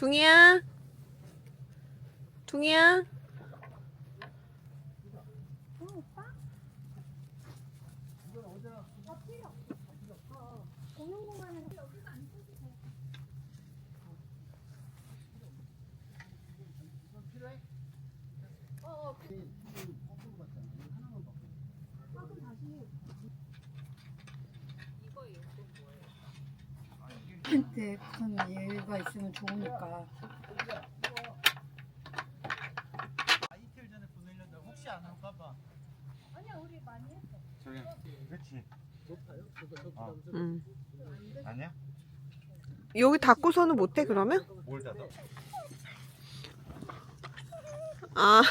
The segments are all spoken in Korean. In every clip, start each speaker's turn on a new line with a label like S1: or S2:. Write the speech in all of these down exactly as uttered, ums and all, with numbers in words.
S1: 둥이야? 둥이야?
S2: 한테 큰 예가 있으면 좋으니까.
S3: 이틀 전에 보내려다 혹시 안 올까봐.
S4: 아니야, 우리 많이 했어.
S5: 저기 그렇지. 어.
S1: 응.
S5: 아니야?
S1: 여기 닫고서는 못해 그러면?
S5: 뭘 닫아?
S1: 아.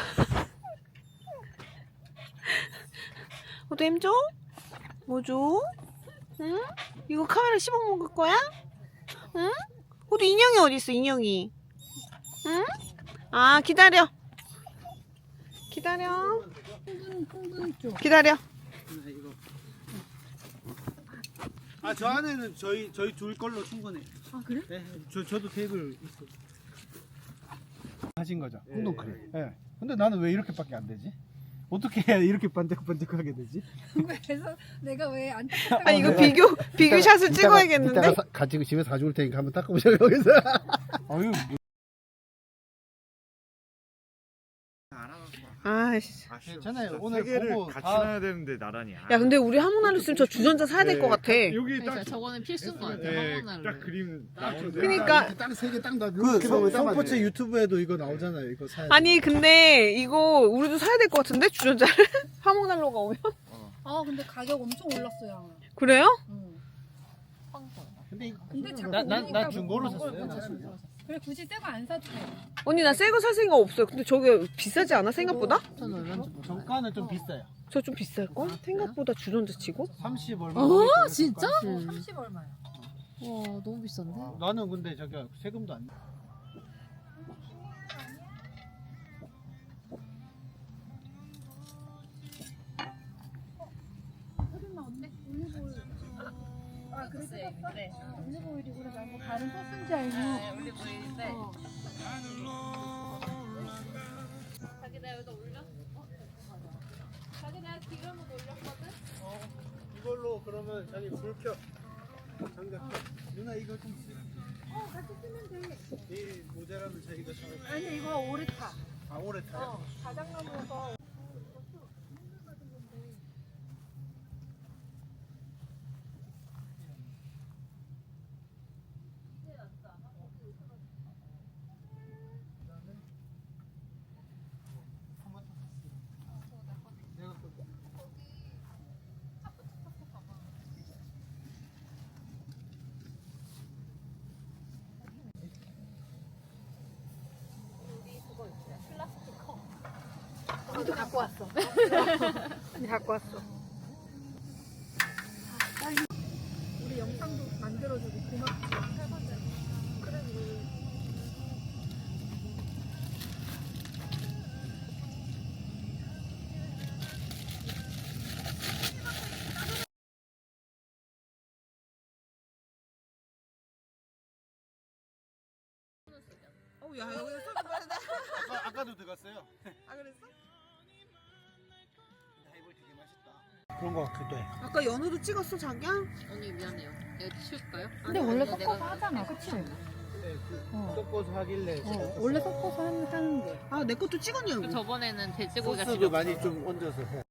S1: 호두 햄 줘? 뭐 줘? 응? 이거 카메라 씹어 먹을 거야? 응? 호두 인형이 어디 있어 인형이? 응? 아 기다려. 기다려.
S2: 풍분 풍분 쪽.
S1: 기다려.
S3: 아, 저 안에는 저희 저희 둘 걸로 충분해.
S2: 아 그래?
S3: 네, 저 저도 테이블 있어. 하신 거죠?
S5: 운동 그래.
S3: 예. 네. 근데 나는 왜 이렇게밖에 안 되지? 어떻게 해야 이렇게 반짝반짝하게 되지?
S2: 그래서 내가 왜 안
S1: 아 이거 비교 비교샷을 찍어야겠는데?
S5: 이따가 사, 가지고 집에 가져올 테니까 한번 닦아보자 여기서.
S3: 아유.
S1: 아이씨.
S3: 괜찮아요. 오늘
S5: 세 개를
S3: 보고
S5: 같이
S3: 다-
S5: 놔야 되는데 나란히.
S1: 야 근데 우리 하모나로 있으면 저 주전자 사야 될 것 같아.
S5: 여기
S6: 그러니까
S5: 딱
S6: 저거는 필수인 것 같아.
S5: 예,
S6: 화분을.
S5: 딱 그림 나오는데.
S1: 그러니까
S5: 딱세개딱 놔.
S3: 그 손포츠 유튜브에도 이거 나오잖아요. 이거 사야 돼.
S1: 아니 근데 이거 우리도 사야 될 것 같은데 주전자를 하모날로가 오면?
S2: 아 근데 가격 엄청 올랐어요.
S1: 그래요?
S2: 응.
S3: 근데 이거
S2: 근데 자꾸
S3: 나- 나- 나
S2: 오니까
S3: 중고로
S2: 뭐
S3: 샀어요.
S2: 그걸 샀어. 그래 굳이 새거 안 사도 돼.
S1: 언니 나 새 거 살 생각 없어요. 근데 저게 비싸지 않아 생각보다?
S6: 전 얼마인지 몰라.
S3: 정가는 좀 비싸요.
S1: 저 좀 비쌀걸? 생각보다 주전자 치고?
S3: 삼십 얼마.
S6: 어 진짜?
S1: 음.
S2: 삼십 얼마야?
S6: 와 너무 비싼데?
S3: 나는 근데 저기 세금도 안.
S2: 아 그래 샀어? 네. 올리브 오일이구나. 나뭐 다른 소스인지 알고.
S6: 올리브 오일인데.
S4: 자기 나 여기다 올려? 어? 자기 나 기름을 올렸거든?
S3: 어, 이걸로 그러면 자기 불 켜. 장작 켜. 누나 이거 좀 쓰.
S2: 어 같이 쓰면 돼.
S3: 내일 모자라면 자기가 사.
S2: 아니 이거 오래 타.
S3: 아 오래 타요?
S2: 어 자작나무여서.
S1: 언니도 갖고 왔어. 언니 갖고 왔어.
S2: 우리 영상도 만들어주고 고맙지. 그래
S1: 어, 야 여기서 술 먹어야 돼.
S3: 아까 아까도 들어갔어요.
S1: 아 그랬어?
S3: 하이볼 되게 맛있다. 그런 거 같기도 해.
S1: 아까 연우도 찍었어 자기야?
S6: 언니 미안해요. 이거 치울까요?
S2: 근데 원래 섞어서 하잖아, 그치?
S3: 네, 그
S2: 어.
S3: 섞어서 하길래.
S2: 어, 원래 섞어서 하는, 하는 게.
S1: 아 내 것도 찍었냐고.
S6: 저번에는 돼지고기가
S3: 소스도
S6: 집에
S3: 많이
S6: 없어서.
S3: 좀 얹어서 해.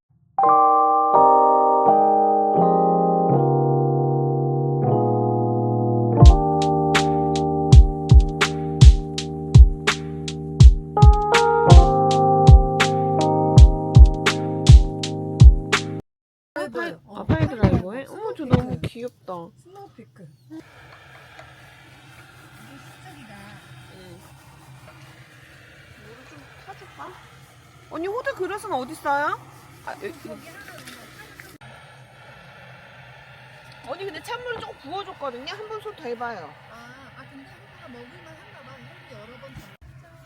S1: 아 파이드라이버에? 어머 저 너무 귀엽다.
S2: 스노우 피크.
S1: 물을 좀 타줄까? 언니 호두 그릇은 어디 있어요? 아, 여기. 언니 근데 찬물을 조금 부어줬거든요. 한 번 손 더 해봐요.
S2: 아, 아 근데 호두가 먹을만 한가 봐. 호두 여러 번 다.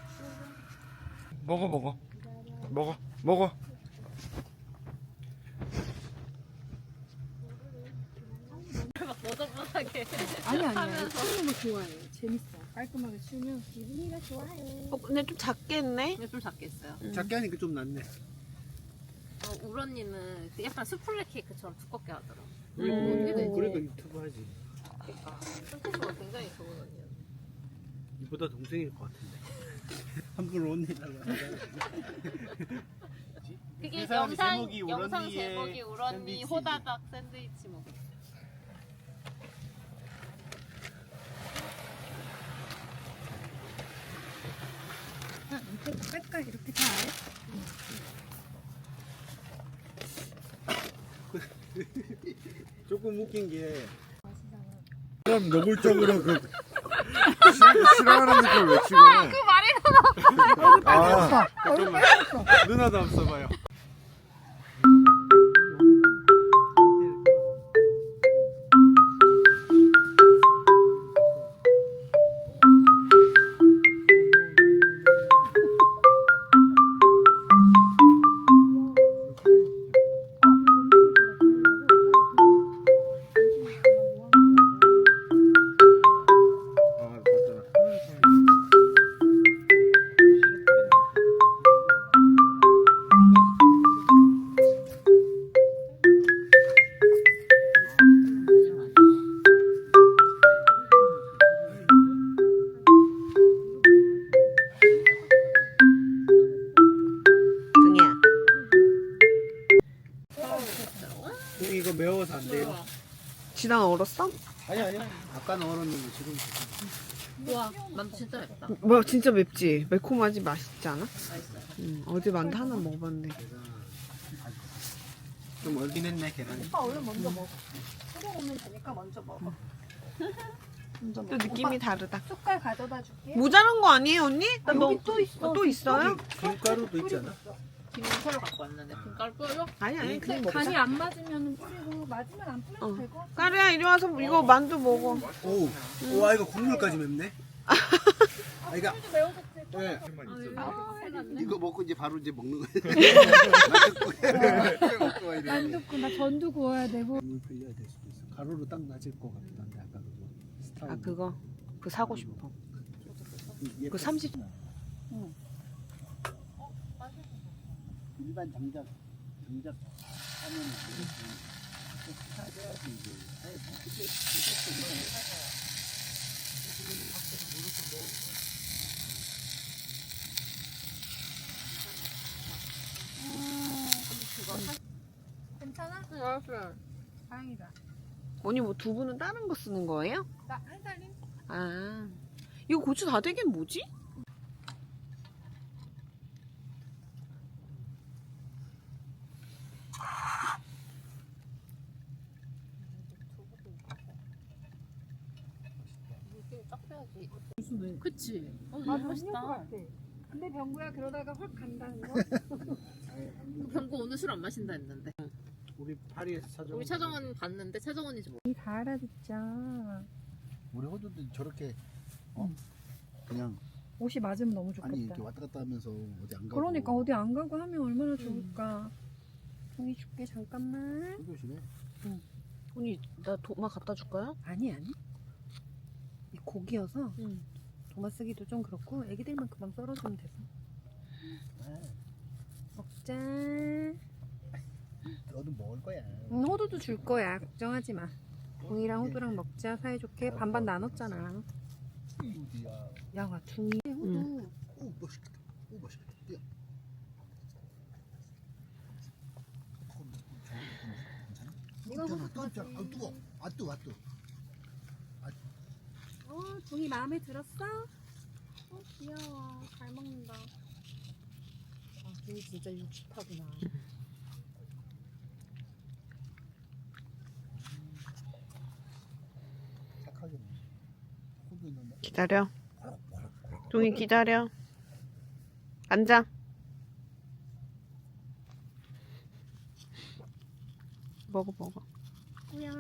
S5: 먹어 먹어 먹어 먹어.
S6: 막 너저분하게
S2: 아니 아니야. 하는 거 좋아해. 재밌어. 깔끔하게 치우면 기분이가 좋아요.
S1: 어, 근데 좀 작게 했네.
S6: 근데 좀 작게 했어요.
S1: 음.
S3: 작게 하니까 좀 낫네.
S6: 어, 울 언니는 그 약간 수플레 케이크처럼 두껍게 하더라고.
S1: 음.
S6: 어떻게 되지?
S3: 그러니까 유튜브 하지.
S6: 그러니까 손톱으로 굉장히 좋은 언니야.
S3: 이보다 동생일 것 같은데. 함부로 언니라고 하잖아.
S6: 그게
S3: 그 사람이
S6: 영상
S3: 제목이 울
S6: 영상
S3: 언니의
S6: 제목이 울 언니
S3: 샌드위치지.
S6: 호다닥 샌드위치 먹.
S2: 아, 이렇게 뺄까? 이렇게 다 해?
S3: 조금 웃긴 게
S5: 그럼 노골적으로 그 시- 싫어하는 느낌 외치고. 그 말이 나. 아,
S3: 잠깐만 누나도 한번 써봐요.
S5: 아, 맞잖아.
S1: 등이야.
S3: 이거 매워서 안 돼요.
S1: 지난 얼었어?
S3: 아니 아니. 아까는 얼었는데 지금
S6: 우와, 만두 진짜 맵다.
S1: 뭐야 진짜 맵지? 매콤하지 맛있지 않아?
S6: 맛있어요.
S1: 응. 어제 만두 하나 먹어봤는데.
S3: 좀 얼긴 했네 계란이.
S2: 오빠 얼른 먼저 먹어. 소금 오면 되니까 먼저 먹어. 먼저
S1: 또
S2: 먹어.
S1: 느낌이
S2: 오빠,
S1: 다르다.
S2: 숟갈 가져다 줄게.
S1: 모자란 거 아니에요 언니? 나
S2: 여기
S1: 너,
S2: 또 있어.
S1: 어, 또 있어요?
S3: 김가루도 있지 않아?
S6: 김새로 갖고 왔는데 김가루 뿌려?
S1: 아니 아니 그냥 먹자.
S2: 간이 안 맞으면 뿌리고 맞으면 안 뿌려도
S1: 어.
S2: 되고.
S1: 까르야 이리 와서 이거 만두 먹어.
S3: 오, 와 이거 국물까지 맵네. 아 이거
S2: 매워졌지.
S3: 네.
S2: 아,
S3: 이거 먹고 이제 바로 이제 먹는 거예요.
S2: 만두국 나 전두 구워야 되고.
S3: 물 풀려야 될 수도 있어. 가루로 딱 낮을 것 같긴 한데 아까 그거 스타일.
S1: 아 그거 그 사고 싶어.
S3: 얘
S1: 그 삼십.
S3: 일반 장작 장작 하면
S2: 괜찮아?
S6: 응, 알았어요.
S2: 다행이다.
S1: 언니 뭐 두부는 다른 거 쓰는 거예요?
S2: 나 한 살림?
S1: 아 이거 고추 다 되긴 뭐지?
S6: 이렇게 딱 해야지. 그치? 어,
S2: 아,
S6: 너무
S2: 맛있다.
S6: 맛있다.
S2: 근데 병구야 그러다가 확 간다는 거?
S6: 병구 오늘 술 안 마신다 했는데.
S3: 우리 파리에서 찾아.
S6: 우리 차정원 봤는데 차정원인지 모르.
S2: 다 알아듣자.
S7: 우리 호주도 저렇게 어? 그냥
S2: 옷이 맞으면 너무 좋겠다.
S7: 아니 이렇게 왔다 갔다 하면서 어디 안 가고
S2: 그러니까 어디 안 가고 하면 얼마나 좋을까. 종이 줄게 잠깐만.
S7: 조심해.
S1: 언니 나 도마 갖다 줄까요?
S2: 아니 아니. 이 고기여서
S1: 응.
S2: 도마 쓰기도 좀 그렇고 애기들만 금방 썰어주면 돼서. 먹자.
S7: 너도 먹을 거야.
S2: 응, 호두도 줄 거야. 걱정하지 마. 종이랑 호두랑 먹자. 사이좋게 반반 나눴잖아.
S7: 어디야?
S2: 야, 중이 호두.
S1: 응.
S7: 오 맛있겠다. 오 맛있겠다. 뛰어.
S2: 이거
S7: 괜찮아.
S2: 호두
S7: 깜짝. 아 뜨거. 아 뜨거. 아 뜨거.
S2: 어, 종이 마음에 들었어? 어, 귀여워. 잘 먹는다. 아, 종이 진짜 육십하구나.
S7: 착하게. 호두 있는데.
S1: 기다려. 종이 기다려. 앉아. 먹어 먹어.
S2: 뭐야.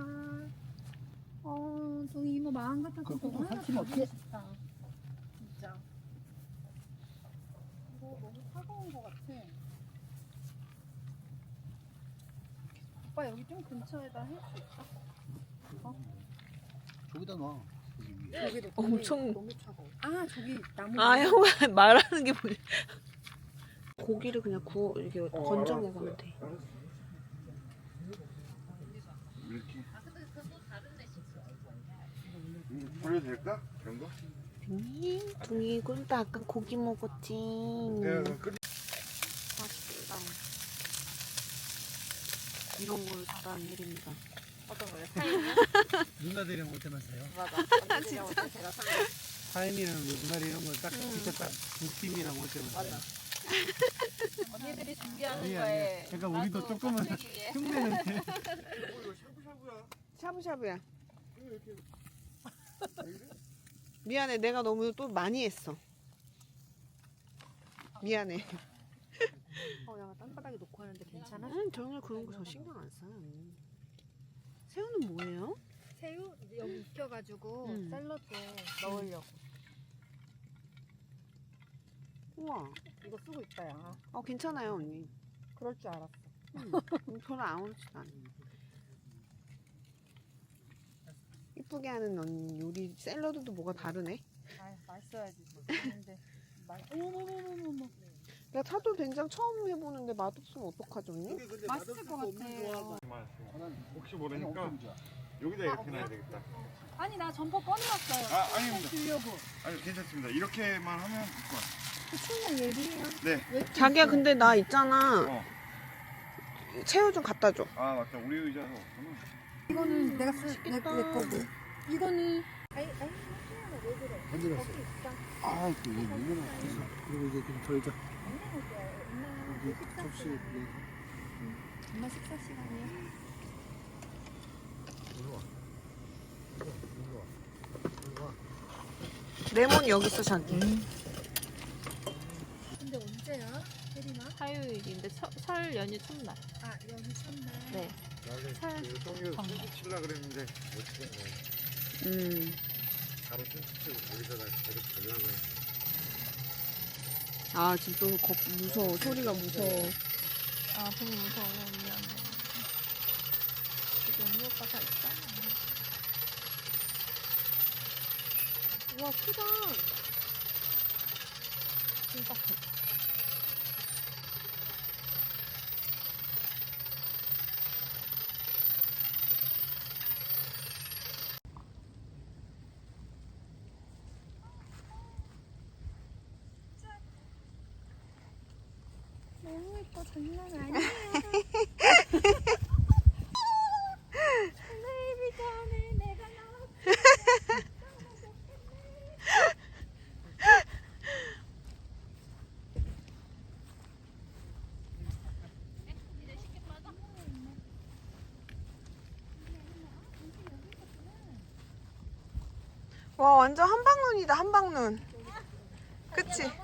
S2: 어, 종이 이모 마음 같아서
S7: 그 호두
S2: 너무
S7: 삼키면 어떡해?
S2: 싶다. 진짜. 이거 너무 차가운 것 같아. 오빠 여기 좀 근처에다 할 수 있어?
S7: 저기다 놔.
S2: 저기도
S1: 엄청-
S2: 너무 차가워. 아 저기 나무.
S1: 아 형아 말하는 게 뭐야? 고기를 그냥 구워 이렇게 건져 먹으면 돼.
S5: 이렇게. 이거 버려도 될까? 이런 거?
S1: 둥이 둥이 꿀도 아까 고기 먹었지.
S5: 내가 그럼 끓이.
S1: 맛있다. 이런 걸 잘하는 일입니다.
S6: 어떤 거예요? 타임이요?
S3: 누나들이랑 올 때만 사요.
S6: 맞아. 언니들이랑 올때 제가 사는
S3: 타임이랑 뭐 누나리 이런 거딱 진짜 딱두 팀이랑 올 때만 사요.
S6: 언니들이 준비하는
S3: 아니,
S6: 거에
S3: 아니. 그러니까 우리도
S6: 나도
S3: 조금은
S6: 빡세기에.
S3: 흉내는
S5: 이거 샤브샤브야.
S1: 샤브샤브야.
S5: 이거 이렇게.
S1: 미안해 내가 너무 또 많이 했어. 미안해.
S2: 어 내가 땅바닥에 놓고 하는데 괜찮아?
S1: 응 전혀 그런 거 저 신경 안 써요. 새우는 뭐예요?
S2: 새우 이제 여기 익혀가지고
S1: 음.
S2: 샐러드에 넣으려고.
S1: 우와.
S2: 이거 쓰고 있다 야.
S1: 어 괜찮아요 언니.
S2: 그럴 줄 알았어.
S1: 음, 별로 안 어렵지도 않아. 이쁘게 하는 언니 요리 샐러드도 뭐가 다르네.
S2: 아 맛있어야지. 근데 맛. 어머머머머머.
S1: 나 차돌 된장 처음 해보는데 맛없으면 어떡하죠 언니?
S3: 이게 근데
S2: 맛있을
S3: 맛없을
S2: 것
S3: 거 없는
S2: 같아요.
S3: 조합.
S5: 혹시
S7: 아니,
S5: 모르니까
S7: 엄청 좋아.
S5: 여기다 이렇게 놔야 되겠다.
S2: 아니 나 점퍼 꺼내왔어요.
S5: 아, 아닙니다.
S2: 주려고.
S5: 아니 괜찮습니다. 이렇게만 하면 될 것 같아요.
S2: 추우면 얘기해요.
S5: 네.
S1: 자기야 근데 나 있잖아.
S5: 어.
S1: 새우 좀 갖다 줘.
S5: 아 맞다. 우리 의자도 없구나.
S2: 이거는 내가 쓸 내, 내 거고. 이거는 아이 아이 왜 그래?
S7: 건드렸어.
S2: 거기 있어.
S7: 아, 또 이거 물면 없어. 그리고 이제 좀 덜자.
S2: 엄마
S7: 여기 접시 내.
S2: 엄마 식사 시간이야.
S7: 일로 와. 일로 와. 일로 와.
S1: 레몬 여기 있어 자기.
S2: 근데 언제야? 혜린아?
S6: 화요일인데 설, 설 연휴 첫날.
S2: 아 연휴 첫날.
S6: 네.
S5: 나는
S6: 살-
S5: 그 똥이를 손짓 칠라 그랬는데 못 치겠네.
S1: 음.
S5: 바로 손짓 치고 거기다가 계속 걸려고 했는데.
S1: 아 지금 또 겁, 무서워. 소리가 무서워.
S6: 아 너무 무서워. 미안해. 지금 언니 오빠 다 있잖아.
S2: 우와 크다.
S6: 진짜 커.
S2: 너무 예뻐 장난 아니야. 텔레비 전에 내가 나왔어.
S1: 와 완전 한방눈이다 한방눈. 그치?